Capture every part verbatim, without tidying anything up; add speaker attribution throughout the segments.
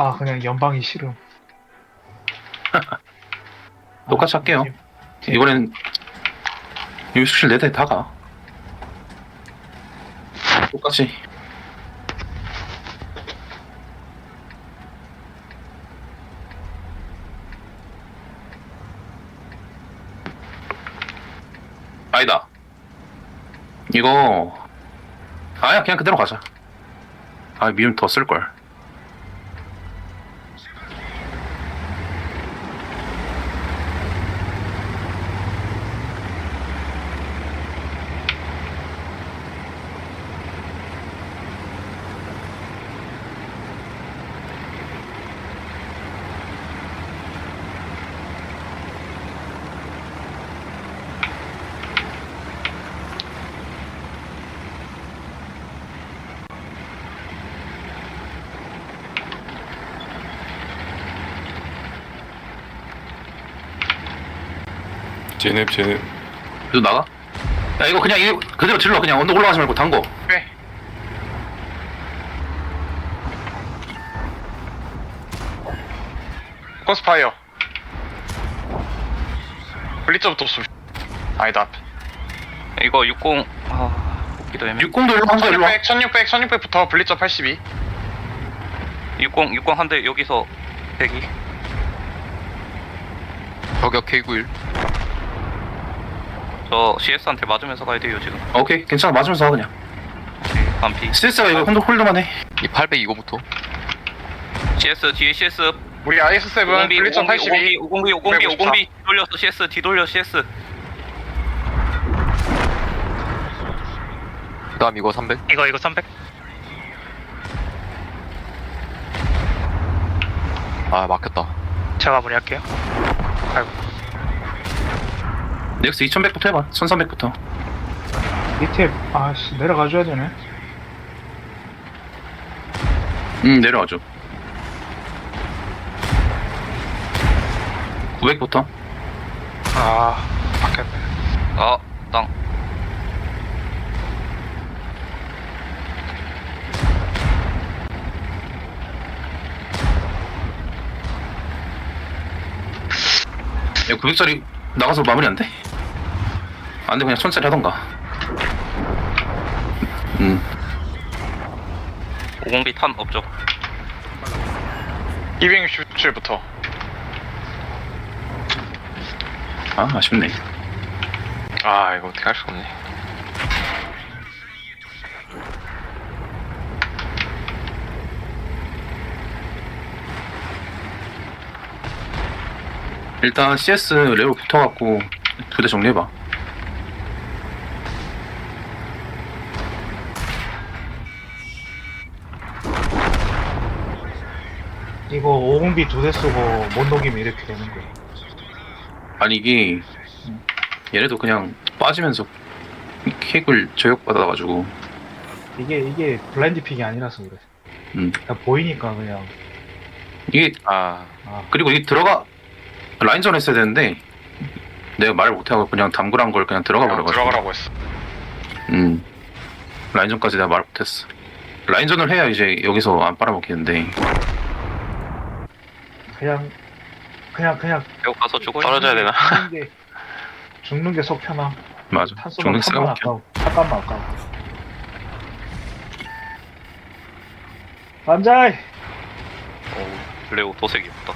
Speaker 1: 아 그냥 연방이 싫음.
Speaker 2: 똑같이
Speaker 1: 아,
Speaker 2: 할게요.
Speaker 1: 제-
Speaker 2: 이번엔 유수실 네 대 다 가. 똑같이. 아니다. 이거 아야 그냥 그대로 가자. 아 미움 더 쓸걸.
Speaker 3: 제넵 제넵.
Speaker 2: 너 나가? 야 이거 그냥 이거 그대로 질러. 그냥 언덕 올라가지 말고 담궈.
Speaker 4: 네. 코스파이어. 블리츠부터 쏘. 아니다.
Speaker 5: 이거 육십 아 뽑기도 애매.
Speaker 2: 육공도 일로 한거 일로 와.
Speaker 4: 천육백, 천육백, 천육백부터 블리츠 팔십이.
Speaker 5: 육십 육십 한 대 여기서 대기.
Speaker 3: 저격 케이 구십일.
Speaker 5: 저 씨에스한테 맞으면서 가야 돼요 지금.
Speaker 2: 오케이 괜찮아 맞으면서 하 그냥.
Speaker 5: 오케이, 반피.
Speaker 2: 씨에스가 이거 혼자 홀드만 해.
Speaker 3: 이 팔백 이거부터.
Speaker 5: 씨에스 뒤에 씨에스.
Speaker 4: 우리 아이에스 칠
Speaker 5: 오공비
Speaker 4: 블리츠
Speaker 5: 오공비
Speaker 4: 팔십이.
Speaker 5: 오공비 오공비 오공비 돌려서 씨에스 뒤 돌려 씨에스.
Speaker 3: 그다음 이거 삼백.
Speaker 5: 이거 이거 삼백.
Speaker 3: 아 막혔다.
Speaker 5: 제가 마무리할게요.
Speaker 2: 넥스 이천백부터 해봐. 천삼백부터.
Speaker 1: 밑에 아씨 내려가줘야 되네.
Speaker 2: 응 내려와줘. 구백부터.
Speaker 4: 아, 막혔네.
Speaker 5: 아 땅.
Speaker 2: 야 구백짜리 나가서 마무리 안 돼? 안 돼 그냥 천짜리 하던가. 음.
Speaker 5: 오공비 탄 없죠.
Speaker 4: 이백육십칠부터.
Speaker 2: 아 아쉽네.
Speaker 4: 아, 이거 어떻게 할 수가 없네.
Speaker 2: 일단 씨에스 레벨 붙어갖고 두 대 정리해봐.
Speaker 1: 이거 오공비 두 대 쓰고 못 녹이면 이렇게 되는 거야.
Speaker 2: 아니 이게 얘네도 그냥 빠지면서 킥을 저격받아가지고.
Speaker 1: 이게 이게 블라인드 픽이 아니라서 그래.
Speaker 2: 음.
Speaker 1: 그냥 보이니까 그냥.
Speaker 2: 이게
Speaker 4: 아,
Speaker 1: 아
Speaker 2: 그리고 이게 들어가 라인전 했어야 되는데 내가 말을 못하고 그냥 당구란 걸 그냥 들어가
Speaker 4: 그냥
Speaker 2: 버려가지고.
Speaker 4: 들어가라고 했어.
Speaker 2: 음. 라인전까지 내가 말 못했어. 라인전을 해야 이제 여기서 안 빨아먹히는데.
Speaker 1: 그냥 그냥 그냥
Speaker 5: 여기 가서 죽어요.
Speaker 4: 떨어져야 되나?
Speaker 1: 죽는 게 죽는 게 속 편함.
Speaker 2: 맞아.
Speaker 1: 탄
Speaker 2: 죽는
Speaker 1: 쏘면 탄만
Speaker 2: 새가
Speaker 1: 아까워. 잠깐만 아까워. 반자이.
Speaker 5: 오 레오 도색이 없다.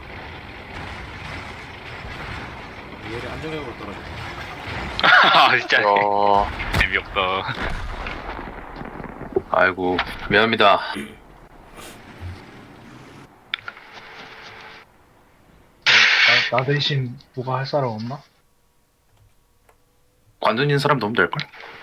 Speaker 6: 얘를 안정적으로 떨어져.
Speaker 4: 아, 진짜. 어,
Speaker 5: 재미없다.
Speaker 2: 아이고 미안합니다.
Speaker 1: 나, 나 대신 누가 할 사람 없나?
Speaker 2: 관둔인 사람 너무 될걸?